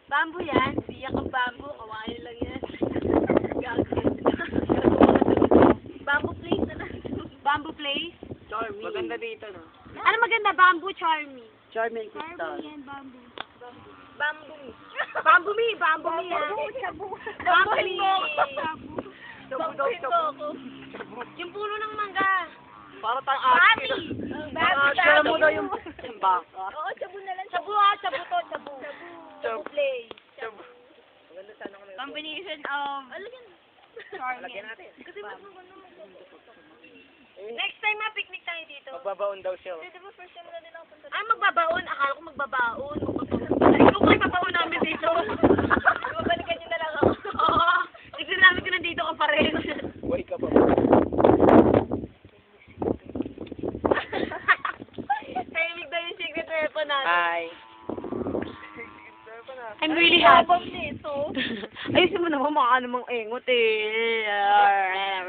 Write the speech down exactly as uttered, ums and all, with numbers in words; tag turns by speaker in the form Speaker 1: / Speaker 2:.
Speaker 1: Bamboo yan. Siyak ang bamboo. Kawain lang yan. Bamboo place na lang. Bamboo place?
Speaker 2: Charming. Maganda dito, no?
Speaker 1: Ano maganda? Bamboo charming.
Speaker 2: Charming crystal.
Speaker 1: Charming yan, bamboo. Bamboo. Bamboo me. Bamboo me. Bamboo. Chabu. Bamboo me.
Speaker 2: Chabu daw, chabu.
Speaker 1: Yung puno ng mangga.
Speaker 2: Para tayong
Speaker 1: Bami.
Speaker 2: ate.
Speaker 1: Bami.
Speaker 2: Alam mo daw yung baka.
Speaker 1: Oo, chabu na lang. Chabu ha. Chabu to. Chabu.
Speaker 2: Chabu.
Speaker 1: Play.
Speaker 2: Chabu. Maganda sana kami.
Speaker 1: Combination of charming.
Speaker 2: Lagyan natin.
Speaker 1: Kasi mas maganda. Next time ma, picnic tayo dito.
Speaker 2: Magbabaon daw siya.
Speaker 1: Di ba first time na din ako punta dito? Ah, magbabaon. Akala ko magbabaon. Magbabaon. Ikaw kayo magbabaon namin dito. Babalikan niyo na lang ako. Oo. Tignan namin kung nandito ka pa rin.
Speaker 2: Buhay ka pa.
Speaker 1: Tahimik daw yung secret weapon natin.
Speaker 2: Hi.
Speaker 1: I'm really happy. Ayusin mo naman, mukha namang engot eh.